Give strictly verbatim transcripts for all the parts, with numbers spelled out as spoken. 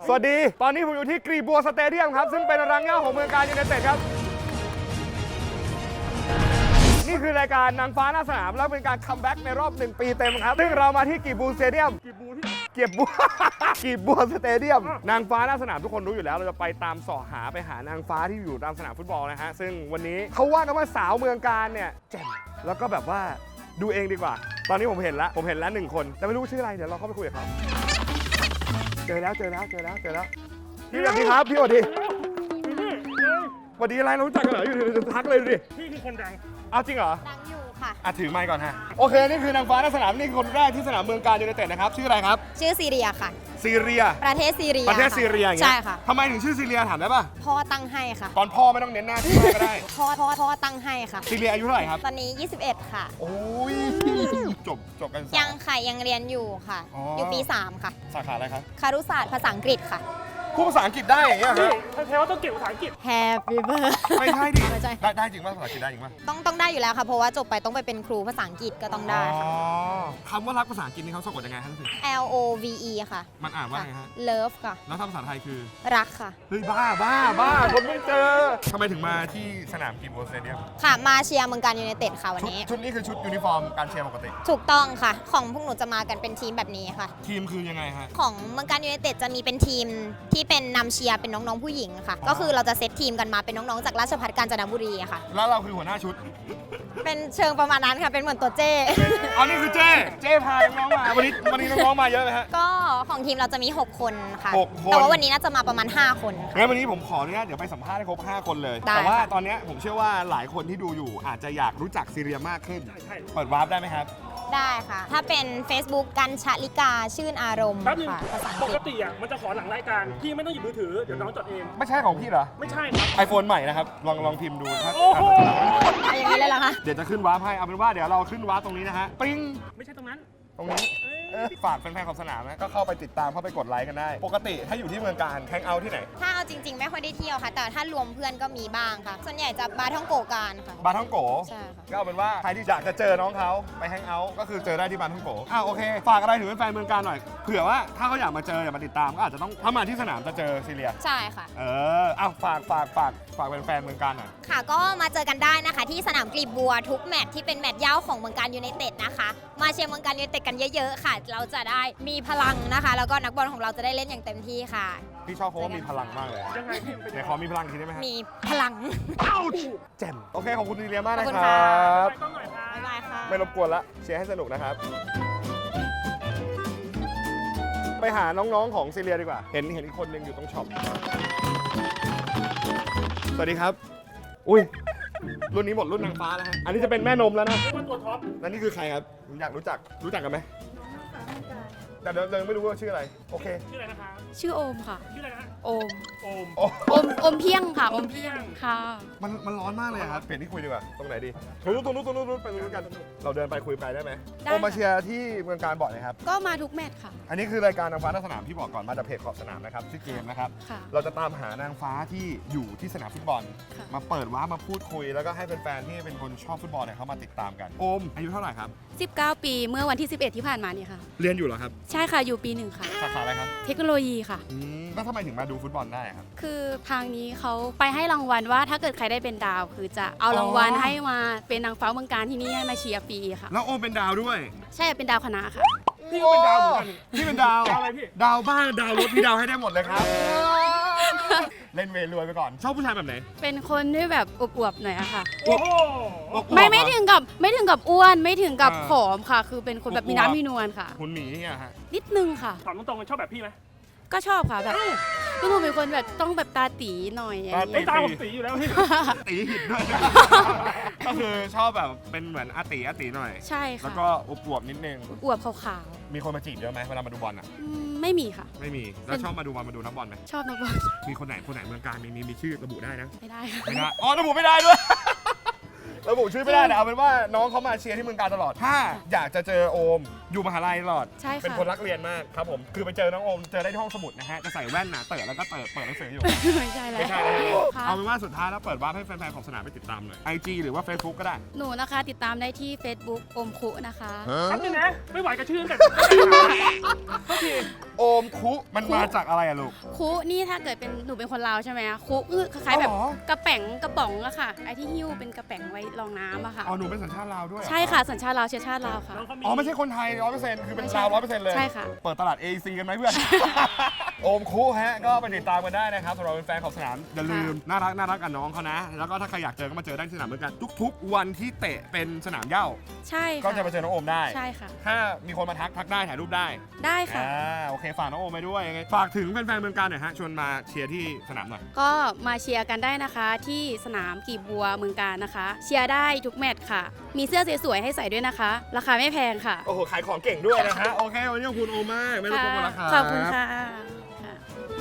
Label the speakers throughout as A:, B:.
A: สวัสดีตอนนี้ผมอยู่ที่กรีบัวสเตเดียมครับซึ่งเป็นรังเหง้าของเมืองการยูไนเต็ดครับนี่คือรายการนางฟ้าหน้าสนามแล้วเป็นการคัมแบ็กในรอบหนึ่งปีเต็มครับซึ่งเรามาที่กรีบัวสเตเดียมกรีบัวที่เกียบบัว กรีบัวสเตเดียมนางฟ้าหน้าสนามทุกคนรู้อยู่แล้วเราจะไปตามเสาะหาไปหานางฟ้าที่อยู่ตามสนามฟุตบอลนะฮะซึ่งวันนี้เขาว่ากันว่าสาวเมืองการเนี่ยแจ่มแล้วก็แบบว่าดูเองดีกว่าตอนนี้ผมเห็นแล้วผมเห็นแล้วหนึ่งคนแต่ไม่รู้ชื่ออะไรเดี๋ยวเราเข้าไปคุยกับเขาเจอแล้วเจอแล้วเจอแล้วเจอแล้วพี่สวัสดีครับพี่สวัสดีสวัสดีอะไรเรารู้จักกันเหรออยู่ดีๆทักเลยดูดิพี่คือคนดังเอาจริงเหรอ
B: ดังอยู่ค่ะ
A: อ่ะถือไมค์ก่อนฮะโอเคนี่คือนางฟ้าหน้าสนามนี่คือคนแรกที่สนามเมืองการยูไนเต็ดนะครับชื่ออะไรครับ
B: ชื่อซีเรียค่ะ
A: ซีเรีย
B: ประเทศซีเรีย
A: ประเทศซีเรียอย่างเงี้ย
B: ใช่ค่ะ
A: ทำไมถึงชื่อซีเรียถามได้ป่ะ
B: พ่อตั้งให้ค่ะ
A: ตอนพ่อไม่ต้องเน้นหน้าที่แม่ก็ได้
B: พ่อพ่อพ่อตั้งให้ค่ะ
A: ซีเรียอายุเท่าไหร่ครับ
B: ตอนนี้ยี่สิบเอ็ดค่ะ
A: โอ้ยจบจบกัน
B: ยังค่ะยังเรียนอยู่ค่ะอยู่ปีสามค่ะ
A: สาขาอะไรครับ
B: คารุศาสตร์ภาษาอังกฤษค่ะ
A: พูดภาษาอังกฤษได้อย่างเงี้ยฮะ
C: แท้ว่าต้องเก่งภาษาอังกฤษ
B: Happy birthday
A: ไม่ใช่ดิ
B: ไม่ใช่
A: ได้ได้จริงป่ะภาษาอังกฤษได้จริงป่ะ
B: ต้องต้องได้อยู่แล้วค่ะเพราะว่าจบไปต้องไปเป็นครูภาษาอังกฤษก็ต้องได้
A: อ๋อ
B: ค่ะ
A: คำว่ารักภาษาอังกฤษนี่เขาสะกดยังไงครับพี่
B: L O V E ค่ะ
A: มันอ่านว่าไงฮะ
B: Love ค่ะ
A: แล้วถ้าภาษาไทยคือ
B: รักค่ะ
A: เฮ้ยบ้าบ้าบ้าคนไม่เจอทำไมถึงมาที่สนามกีบัวสเตเดียม
B: ค่ะมาเชียร์เมืองการยูไนเต็ดค่ะวันนี้
A: ชุดนี้คือชุดยูนิฟอร์มการเชียร์ปกติ
B: ถูกต้องค่ะของพวกหนูจะมากันเป็นทีมแบบนี้ค่ะ
A: ทีมคือยังไงฮะ
B: ของเมืองการยูไนเต็ดจะมีเป็นทีมที่เป็นนำเชียร์เป็นน้องๆผู้หญิงค่ะก็คือเราจะเซตทีมกันมาเป็นน้องๆจากราชภัฏกาญจนบุรีค่ะ
A: แล้วเราคือหัวหน้าชุด
B: เป็นเชิงประมาณนั้นค่ะเป็นเหมือนตัวเจ้
A: อ๋อนี่คือเจ้เจ้พาน้องๆมาวันนี้วันนี้น้องๆมาเยอะไหมฮะ
B: ก็ของทีมเราจะมีหกคนค่ะ
A: หกคน
B: แต่ว่าวันนี้น่าจะมาประมาณห้าคน
A: งั้นวันนี้ผมขออนุญาตเดี๋ยวไปสัมภาษณ์ให้ครบห้าคนเลยแต่ว่าตอนนี้ผมเชื่อว่าหลายคนที่ดูอยู่อาจจะอยากรู้จักซีเรียมากขึ้นเปิดวาร์ปได้ไหมครับ
B: ได้ค่ะถ้าเป็น Facebook กันชลิกาชื่นอารมณ์ค่ะภาษาอังกฤษ
C: ปกติอ่ะมันจะขอหลังรายการพี่ไม่ต้องหยิบมือถือเดี๋ยวน้องจดเอง
A: ไม่ใช่ของพี่เหรอ
C: ไม่ใช่ครับ
A: ไอโฟนใหม่นะครับลองลองพิมพ์ดูถ้า
B: อย่างนี้เลยเหรอคะ
A: เดี๋ยวจะขึ้นวาร์ปให้เอาเป็นว่าเดี๋ยวเราขึ้นวาร์ปตรงนี้นะฮะปริ้ง
C: ไม่ใช่ตรงนั้น
A: ตรงนี้ฝากแฟนๆของสนามนะก็เข้าไปติดตามเข้าไปกดไลค์กันได้ปกติถ้าอยู่ที่เมืองการแฮงเอาท์ที่ไหน
B: ถ้าเอาจริงๆไม่ค่อยได้เที่ยวค่ะแต่ถ้ารวมเพื่อนก็มีบ้างค่ะส่วนใหญ่จะบาร์ท่องโกการค่ะ
A: บาร์ท่องโก
B: ใช่ค่ะ
A: ก็เอาเป็นว่าใครที่อยากจะเจอน้องเขาไปแฮงเอาท์ก็คือเจอได้ที่บาร์ท่องโกอ้าวโอเคฝากอะไรถึงแฟนๆเมืองการหน่อยเผื่อว่าถ้าเขาอยากมาเจออยากมาติดตามก็อาจจะต้องถ้ามาที่สนามจะเจอซีเรีย
B: ใช่ค่ะ
A: เอออ้าวฝากฝากฝากฝากแฟนๆเมืองการหน่อย
B: ค่ะก็มาเจอกันได้นะคะที่สนามกลีบบัวทุกแมตช์ที่เป็นแมตช์เย้าของเมืองการยูไนเต็ดนะคะมาเชียร์เมืองการยูไนเต็ดกันเยอะๆค่ะเราจะได้มีพลังนะคะแล้วก็นักบอลของเราจะได้เล่นอย่างเต็มที่ค่ะ
A: พี่ชอบเพราะว่ามีพลังมากเลย
C: ยังไงพี่เป็น
A: ไหนขอมีพลังทีได้ไหมฮะ
B: มีพลัง
A: แจ่มโอเคขอบคุณซีเรียมากนะครั
C: บต้องหน่อยครับ
B: บ๊ายบายค่ะ
A: ไม่รบกวนละเชียร์ให้สนุกนะครับไปหาน้องๆของซีเรียดีกว่าเห็นเห็นอีกคนนึงอยู่ตรงช็อปสวัสดีครับอุ้ยรุ่นนี้หมดรุ่นนางฟ้าแล้วฮะอันนี้จะเป็นแม่นมแล้วนะ
C: ตัวท็อป
A: แล้วนี่คือใครครับอยากรู้จักรู้จักกันไหมแต่เรายังไม่รู้ว่าชื่ออะไรโอเค
C: ชื่ออะไรนะคะ
D: ชื่อโอมค่ะ
C: ชื่ออะไรนะ
D: โอม
C: โอม
D: โอมโอมเพียงค่ะโอมเพียงค่ะ
A: มันมันร้อนมากเลยครับเปลี่ยนที่คุยดีกว่าตรงไหนดีตรงนู้นตรงนู้นตรงนู้นไปตรงนู้นกันเราเดินไปคุยไปได้ไหมโอมมาเชียร์ที่เมืองการบ่อยไหมครับ
D: ก็มาทุกแมตช์ค่ะ
A: อันนี้คือรายการนางฟ้าในสนามที่บอกก่อนมาจากเพจขอบสนามนะครับชื่อเกมนะครับเราจะตามหานางฟ้าที่อยู่ที่สนามฟุตบอลมาเปิดว้ามาพูดคุยแล้วก็ให้แฟนๆที่เป็นคนชอบฟุตบอลเนี่ยเขามาติดตามกันโอมอายุเท่าไหร่ครับ
D: สิบเก้าปีเมื่อวันที่สิบเอ็ดที่ผ่านมาเนี่ยค่ะ
A: เรียนอยู่เหรอครับ
D: ใช่ค่ะอยู่ปีหนึ่งค่ะ
A: สาขาอะไรครับ
D: เทคโนโลยีค่ะ
A: แล้วทำไมถึงมาดูฟุตบอลได้ครับ
D: คือทางนี้เขาไปให้รางวัลว่าถ้าเกิดใครได้เป็นดาวคือจะเอารางวัลให้มาเป็นนางฟ้าเมืองการที่นี่ให้มาเชียร์ฟรีค่ะ
A: แล้วโอมเป็นดาวด้วย
D: ใช่เป็นดาวคณะค่ะ
C: พี่ก็เป็นดาวเหมือนกัน
A: พี่เป็นดาว
C: ดาวอะไรพี่
A: ดาวบ้านดาวรถพี่ดาวให้ได้หมดเลยครับเล่นเวรวยไปก่อนชอบผู้ชายแบบไหน
D: เป็นคนที่แบบอวบๆหน่อยอะค่ะ
C: โอ้โห
D: ไม่ไม่ถึงกับไม่ถึงกับอ้วนไม่ถึงกับผอมค่ะคือเป็นคนแบบมีน้ำมีนวลค่ะ
A: หุ่นหมีเนี่ยฮะ
D: นิดนึงค่ะ
C: ถามตรงๆชอบแบบพี่ไหม
D: ก็ชอบค่ะแบบก็หนูเป็นคนแบบต้องแบบตาตีหน่อย
C: ตาตีตาผมตีอยู่แล้วพี่
A: ตีหินด้วยก็คือชอบแบบเป็นเหมือนอาตีอาตีหน่อย
D: ใช่ค่ะ
A: แล้วก็อวบนิดนึง
D: อวบขาว
A: ๆมีคนมาจีบเยอะไหมเวลามาดูบอลอ่ะ
D: ไม่มีค่ะ
A: ไม่มีแล้วชอบมาดูบอลมาดูนักบอลไหม
D: ชอบนักบอล
A: มีคนไหนคนไหนเมืองการมีมีมีชื่อระบุได้นะ
D: ไม่ได้
A: ไม่ได้อ๋อระบุไม่ได้ด้วยระบุชื่อไม่ได้แต่เอาเป็นว่าน้องเขามาเชียร์ที่เมืองการตลอดถ้าอยากจะเจอโอมอยู่มหาลัยตลอด
D: ใช่ค่ะ
A: เป็นคนรักเรียนมากครับผมคือไปเจอน้องโอมเจอได้ที่ห้องสมุดนะฮะจะใส่แว่นหนาเต๋อแล้วก็เปิดเปิดหนังสืออยู่
D: ไม่ใช่แล้ว
A: ไม่ใช่เลย
D: ค่ะ
A: เอาเป็นว่าสุดท้ายแล้วเปิดวาร์ปให้แฟนๆของสนามไปติดตามหน่อย ไอ จี หรือว่า Facebook ก็ได้
D: หนูนะคะติดตามได้ที่ Facebook อมคุนะคะ
C: แป๊บนึงนะ ไม่ไหวกับชื่อตั้งแต่โอเค
A: โอมคุมันมาจากอะไรอะลูก
D: คุนี่ถ้าเกิดเป็นหนูเป็นคนลาวใช่ไหมคะคุคือคล้ายๆแบบ
A: อ๋อ
D: กระแป๋งกระป๋องอะค่ะไอที่หิ้วเป็นกระแป๋งไว้รองน้ำอะค่ะ
A: อ๋อหนูเป็นสัญชาติลาวด้วยเหรอ
D: ใช่ค่ะสัญชาติลาวเชื้อชาติลาวค่ะ
C: น้องเขามี
A: อ๋อไม่ใช่คนไทยร้อยเปอร์เซ็นต์คือเป็นลาวร้อยเปอร์เซ็นต์เลย
D: ใช่ค่ะ
A: เปิดตลาด เอ ซี กันไหมเพื่อน โอมคุฮะก็ไปติดตามกันได้นะครับสำหรับแฟนๆของสนามอย่าลืมน่ารักน่ารักกับน้องเขานะ แล้วก็ถ้าใครอยากเจอก็มาเจอได้ที่สนามเหมือนกันทุกๆ วันที่เตะเป็นสนามเหย้า
D: ใช่ค่ะ
A: ก็จะมาเจอน้องโอมได้
D: ใช่ค่ะ
A: ถ้ามีคนมาทักทักได้ถ่ายรูปได้
D: ได้ค่ะ
A: อ่าโอเคฝากน้องโอมไปด้วยยังไงฝากถึงแฟนๆเมืองการหน่อยฮะชวนมาเชียร์ที่สนามหน่อย
D: ก็มาเชียร์กันได้นะคะที่สนามกีบบัวเมืองการนะคะ เชียร์ได้ทุกแมตช์ค่ะ มีเสื้อสวยๆให้ใส่ด้วยนะคะ ราคาไม่แพงค่ะ
A: โอ้โหขายของเก่งด้วยนะฮะโอเควันนี้ขอบคุณโอมมากไม่รบกวนราคา
D: ขอบคุณค่ะค่ะ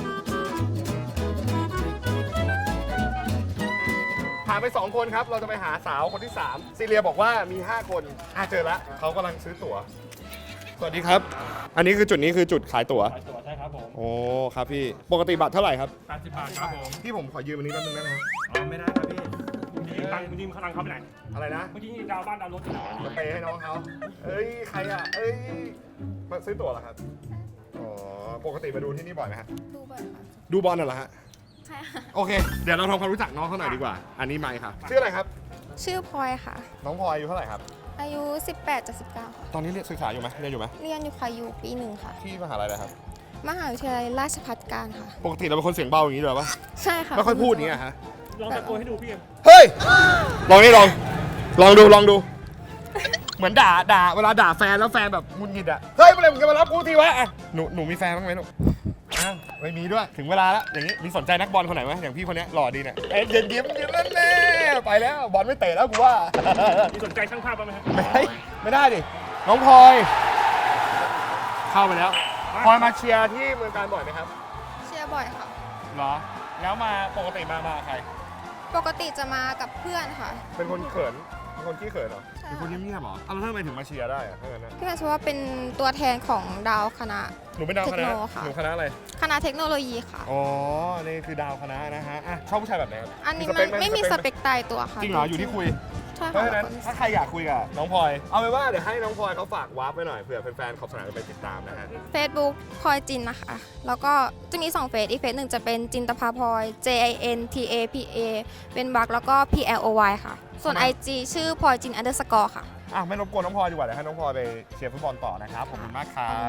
A: ผ่านไปสองคนครับเราจะไปหาสาวคนที่สามซีเรียบอกว่ามีห้าคนอ่ะเจอละเขากำลังซื้อตั๋วสวัสดีครับ อันนี้คือจุดนี้คือจุดขายตั๋ว
C: ขายตัวใช่ครับผม
A: โอ้ครับพี่ปกติบัตรเท่าไหร่ครับ
C: แปดสิบบาทครับผม
A: พี่ผมขอยืมอันนี้แป๊บนึงได้ไหมครับ
C: อ๋อไม่ได้ครับพี่ยิงตังค์ยิงพลังเขาไปไหน
A: อะไรนะ
C: เมื่อกี้ดาวบ้านดาวรถอยู่ไหน
A: จะเปย์ให้น้องเขาเอ้ยใครอ่ะเอ้ยมาซื้อตั๋วเหรอครับอ๋อปกติมาดูที่นี่บ่อยไหมฮะ
B: ดูบ่อยค่ะ
A: ดูบอลน่ะเหรอฮะ
B: ใช่ค่ะ
A: โอเคเดี๋ยวเราทำความรู้จักน้องเขาหน่อยดีกว่า อันนี้ไมค์ครับชื่ออะไรครับ
E: ชื่อพลอยค่ะ
A: น้องพลอยอายุเท่าไหร่ครับ
E: อายุ สิบแปดจะสิบเก้าค่ะ
A: ตอนนี้เรียนศึกษาอยู่ไหมเรียนอยู่ไหม
E: เรียนอยู่ค่ะอยู่ปีหนึ่งค่ะ
A: ที่มหาลัยอะไรครับ
E: มหาวิทยาลัยราชภัฏการค่ะ
A: ปกติเราเป็นคนเสียงเบาอย่างนี้ด้วยปะ
E: ใช่ค่ะ
A: ไม่ค่อยพูดอย่างนี้อะฮะ
C: ลองตะโกนให้ดูพี่เอ็ม
A: เฮ้ย ลองนี่ลอง ลองดูลองดู เหมือนด่าด่าเวลาด่าแฟนแล้วแฟนแบบงุนงิดอะเฮ้ยเมื่อไหร่มึงจะมารับกูทีวะอ่ะหนูหนูมีแฟนบ้างไหมหนูอ้าวไม่มีด้วย ถึงเวลาแล้ว อย่างนี้ มีสนใจนักบอลคนไหนไหมอย่างพี่คนเนี้ยหล่อดีเนี่ยเอ็นเย็นยิ้มยิ้มนั่นแน่ไปแล้ว บอลไม่เตะแล้วกูว่า
C: มีสนใจช่างภาพบ้างไหมครับ
A: ไม่ไม่ได้ดิ น้องพลอย เข้าไปแล้วพลอยมาเชียร์ที่เมืองการบ่อยไหมครับ
E: เชียร์บ่อยค่ะ
A: เหรอ แล้วมาปกติมามาใคร
E: ปกติจะมากับเพื่อนค่ะ
A: เป็นคนเขิน เป็นคนขี้เขินเหรอ
E: ใช่
A: เป็นคนเงียบๆเหรออ้าวแล้วทำไมถึงมาเชียร์ได้อะถ้างั้นนะ
E: พี่แมนชื่อว่าเป็นตัวแทนของดาวคณะ
A: หนูเป็นดาวคณะ
E: เทคโนค่ะ
A: หนูคณะอะไร
E: คณะเทคโนโลยีค่ะ
A: อ๋อ นี่คือดาวคณะนะฮะอ่ะชอบผู้ชายแบบไหนครับ
E: อันนี้
A: ส
E: มัน
A: เปคห
E: ไม่มีสเปคตายตัวค่ะ
A: จริงเหรอ อยู่ที่คุย
E: ใช่
A: เพราะ
E: ค่ะ
A: ฉะนั้นถ้าใครอยากคุยกับน้องพลอย เอาเป็นว่าเดี๋ยวให้น้องพลอยเขาฝากวาร์ปไว้หน่อยเผื่อแฟนๆขอบสนามจะไปติดตามนะฮะ
E: เฟซบุ๊กพลอยจินนะคะ แล้วก็จะมีสองเฟซอีกเฟซหนึ่งจะเป็นจินตภาพลอย J I N T A P A เป็นบักแล้วก็ P L O Y ค่ะ ส่วน
A: ทำไม
E: ไอ จี ชื่อพลอยจิน underscore ค่ะ
A: อ่ะไม่รบกวนน้องพลอยดีกว่าเดี๋ยวให้น้องพลอยไปเชียร์ฟุตบอลต่อนะครับ ขอบคุณมากครับ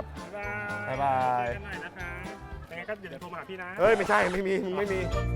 C: บ๊ายบาย
A: บ๊ายบาย
C: เจอกันหน่อยนะคะยังไงก็เดี๋ยวโทรมาหาพี่นะ
A: เฮ้ย ไม่ใช่ ไม่มีมึงไม่มี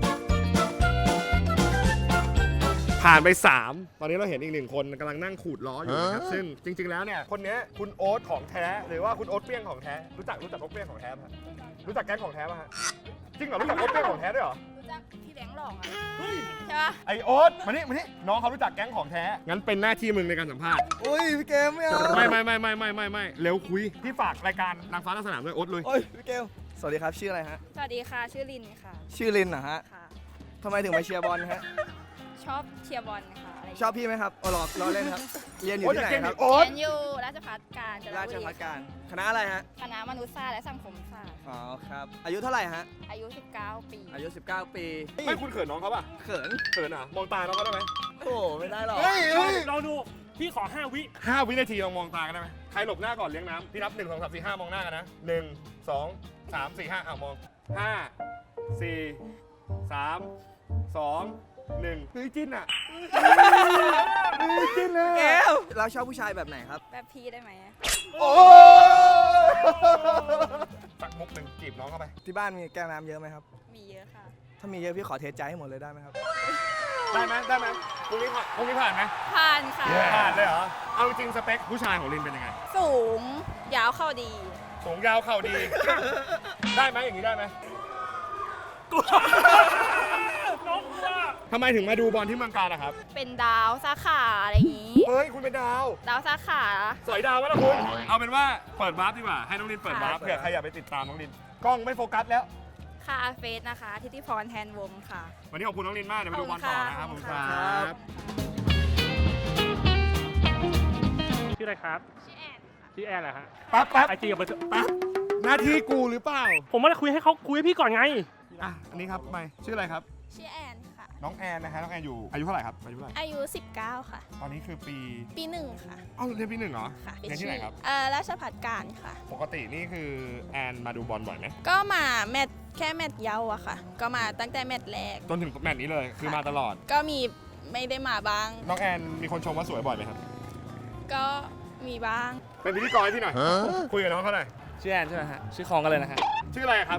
A: ผ่านไป สาม ตอนนี้เราเห็นอีกหนึ่งคนกำลังนั่งขูดล้ออยู่นะครับ ซึ่งจริง ๆ แล้วเนี่ย คนเนี้ยคุณโอ๊ตของแท้ หรือว่าคุณโอ๊ตเปี้ยงของแท้ รู้จักรู้จักโอ๊ตเปี้ยงของแท้ป่ะรู้จักแก๊งของแท้ป่ะฮะ จริงเหรอ รู้จักโอ๊ตเปี้ยงของแท้ด้วยเหรอ
D: รู้จักพี่แบงค์หลอกอ่ะใช่ปะ
A: ไอโอ๊ตมานี่มานี่น้องเขารู้จักแก๊งของแท้ งั้นเป็นหน้าที่มึงในการสัมภาษณ์
F: อุ้ยพี่เกมไม่เอา
A: ไม่ไม่ไม่ไม่ไม่ไม่ไม่เร็วคุย พี่ฝากรายการนางฟ้าในสนามด้วยโอ๊ตเลย
F: โอ้ยพี่เกมสวัสดีครับชื่ออะไรฮะ
D: สวัสดีค่ะชื่อลินค่ะ
F: ชื่อลินนะฮะ
D: ค่ะ
F: ทำไมถึงมาเชียร์บอลฮะ
D: ชอบเชียร์บอลค่ะอะไร
F: ชอบพี่ไหมครับอ๋อหรอกล้อเล่นครับ เรียนอยู่
A: โอ๊ต
F: ที่
A: จาก
F: ไหน
A: เก่ง
F: ค
A: ดิ
F: รับ
A: โอ๊ต
D: เรียนอยู่ราชภัฏการจน
F: รา
D: บุ
F: ช
D: รี
F: ภัฏการคณะอะไรฮะ
D: คณะมนุษยศาสตร์และสังคมศาสตร์
F: อ๋อครับ อายุเท่าไหร่ฮะ
D: อายุ สิบเก้า ปี
F: อายุ สิบเก้า ปี
A: ไม่คุณเขินน้องเขาป่ะ
F: เขิน
A: เขินอ่ะ มองตาน้องเขาได้ไหม
F: โอ้โหไม่ได้หรอก
A: เฮ้ยเฮ้ย
C: ลองดู พี่ขอห้าวิ
A: ห้าวินาทีลองมองตากันได้ไหมใครหลบหน้าก่อนเลี้ยงน้ำพี่นับหนึ่งสองสามสี่ห้ามองหน้ากันนะหนึ่งสองสามสี่ห้าอ่ะมองห้าสี่สามสองหนึ่งเฮ้ยจิ้นอ่ะเฮ้ยจิ้นเลย
F: แกวเราชอบผู้ชายแบบไหนครับ
D: แบบพี่ได้ไหม
A: โอ้สักมุกหนึ่งจีบน้องเข้าไป
F: ที่บ้านมีแก้วน้ำเยอะไหมครับ
D: มีเยอะค่ะ
F: ถ้ามีเยอะพี่ขอเทใจให้หมดเลยได้ไหมครับ
A: ได้ไหมได้ไหมพรุ่งนี้ผ่านพรุ่งนี้ผ่านไหม
D: ผ่านค่ะ
A: ผ่านเลยเหรอเอาจริงสเปคผู้ชายของลินเป็นยังไง
D: สูง ยาวเข้าดี
A: สูงยาวเข่าดี ได้ไหมอย่างนี้ได้ไหม
C: น้องกลัว
A: ทำไมถึงมาดูบอลที่เมืองการอะครับ
D: เป็นดาวสาขาอะไรอย่างนี้
A: เฮ้ยคุณเป็นดาว
D: ดาวสาขา
A: สอยดาววะล่ะคุณ เอาเป็นว่าเปิดวาร์ปดีกว่า ให้น้องลินเปิดวาร์ป
F: ค่ะ
A: เผื่อใครอยากไปติดตามน้องลิน กล้องไม่โฟกัสแล้ว
D: ค่ะเฟสนะคะ ทิติพรแทนวงค่ะ
A: วันนี้ขอบคุณน้องลินมาก เดี๋ยวไปดูบอลต่อนะครับ
D: ข
A: ผ
D: อบ
A: ม
D: คุณ
A: ค
D: ค่ะ
A: รับ
C: ชื่ออะไรครับ ชื่อแอนชื่อแอนเหรอฮะ
A: แป๊บแป๊บ
C: ไอจีกับเบอร์โทร
A: แป๊บหน้าที่กูหรือเปล่า
C: ผมว่าจะคุยให้เขาคุยให้พี่ก่อนไง
A: อ่ะอันนี้ครับไม่ชื่ออะไรครับ
G: ชื่อแอนค่ะ
A: น้องแอนนะฮะน้องแอนอยู่อายุเท่าไหร่ครับอายุเท่าไหร่
G: อายุ สิบเก้า ค่ะ
A: ตอนนี้คือปี
G: ปีหนึ่งค่ะ
A: เอ้าเรียนปีหนึ่งเหรอ
G: ค่ะ
A: เรียนที่ไหนครับ
G: เอ่อราชภัฏการค่ะ
A: ปกตินี่คือแอนมาดูบอลบ่อยไหม
G: ก็มาแมตช์แค่แมตช์เยาว์อะค่ะ ก็มาตั้งแต่แมตช์แรก
A: จนถึงแมตช์นี้เลยคือมาตลอด
G: ก็มีไม่ได้มาบ้าง
A: น้องแอนมีคนชมว่าสวยบ่อยไหมครับ
G: ก็มีบ้าง
A: เป็นพิธีกรให้พี่หน่อยคุยกับน้องเขาหน่อย
F: ชื่อแอนใช่ไหมฮะ ชื่อคองกันเลยนะฮะ
A: ชื่ออะไรครับ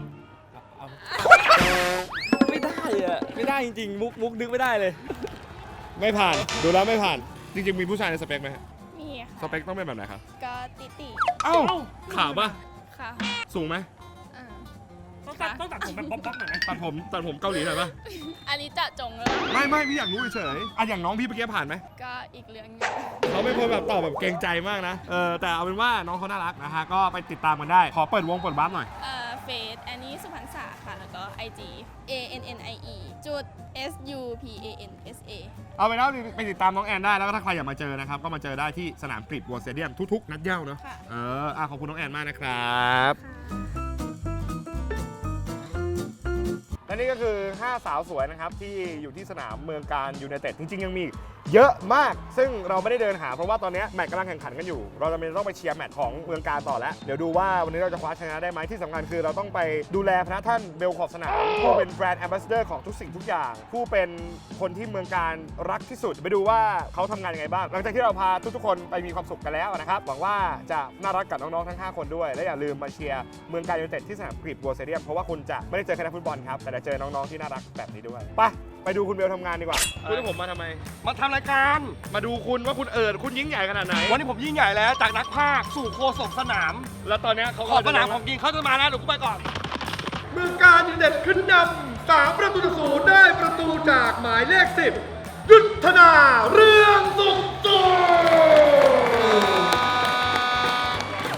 F: ไม่ได้อะไม่ได้จริงๆ มุกมุกนึกไม่ได้เลย
A: ไม่ผ่านดูแล้วไม่ผ่านจริงๆมีผู้ชายในสเปคไหมฮะ
G: มี
A: ส
G: ค่ะ
A: เปคต้องเป็นแบบไหนครับ
G: ก็ติติ
A: เอ้าขาวปะ
G: ค่ะ
A: สูงไหม
G: อ่า
C: ต้องตัดต้องตัดผมแบบป๊อปๆหน่อยนะ
A: ตัดผมตัดผมเกาหลีหน่อยปะ
G: อันนี้จะจงแล้ว
A: ไม่ไม่พี่อยากรู้เฉยๆอ่ะอย่างน้องพี่เมื่อกี้ผ่านไหม
G: ก็อีกเรื่องหนึง
A: เขาเป็นคนแบบตอบแบบเกรงใจมากนะเออแต่เอาเป็นว่าน้องเขาน่ารักนะฮะก็ไปติดตามกันได้ขอเปิดวงเปิดบัฟหน่อย
G: เอ่อเฟซแอนนี่สุพรรณษาค่ะ แล้วก็ ไอ จี A N N I E จุด S U P A N S A
A: เอาไปแล้วไปติดตามน้องแอนได้แล้วก็ถ้าใครอยากมาเจอนะครับก็มาเจอได้ที่สนามกรีฑบัวสเตเดียมทุกๆนัดเหย้าเนอะ
G: ค่ะ
A: เอออ่ะขอบคุณน้องแอนมากนะครับ และนี่ก็คือห้าสาวสวยนะครับที่อยู่ที่สนามเมืองการยูไนเต็ดจริงๆยังมีเยอะมากซึ่งเราไม่ได้เดินหาเพราะว่าตอนนี้แมตช์กำลังแข่งขันกันอยู่เราจะเป็นต้องไปเชียร์แมตช์ของเมืองการต่อแล้วเดี๋ยวดูว่าวันนี้เราจะคว้าชนะได้ไหมที่สำคัญคือเราต้องไปดูแลพระท่านเบลขอบสนามผู้เป็นแบรนด์แอมบาสเดอร์ของทุกสิ่งทุกอย่าง ผู้เป็นคนที่เมืองการรักที่สุดไปดูว่าเขาทำงานยังไงบ้างหลังจากที่เราพาทุกๆคนไปมีความสุขกันแล้วนะครับหวังว่าจะน่ารักกับน้องๆทั้งห้าคนด้วยและอย่าลืมมาเชียร์เมืองการยูไนเต็ดที่สนามกรีฑบัวสเตเดียมเพราะว่าคุณจะไม่ได้เจอแค่นักฟุตบอลครับแต่จะเจอน้องๆที่น่ารักแบบนี้ด้วยไปไปดูคุณเบลทำงานดีกว่าคุณให้ผมมาทำไม
C: มาทำรายการ
A: มาดูคุณว่าคุณเอิดคุณยิ่งใหญ่ขนาดไหน
C: วันนี้ผมยิ่งใหญ่แล้วจากนักพากย์สู่โฆษกสนาม
A: แล้วตอนเนี้ยเขา
C: ขอบสนามของจริงเขาจะมาแล้วเดี๋ยวกูไปก่อน
A: เมืองการยูไนเต็ดขึ้นนำสามประตูต่อศูนย์ได้ประตูจากหมายเลขสิบยุทธนาเรื่องสุขสุข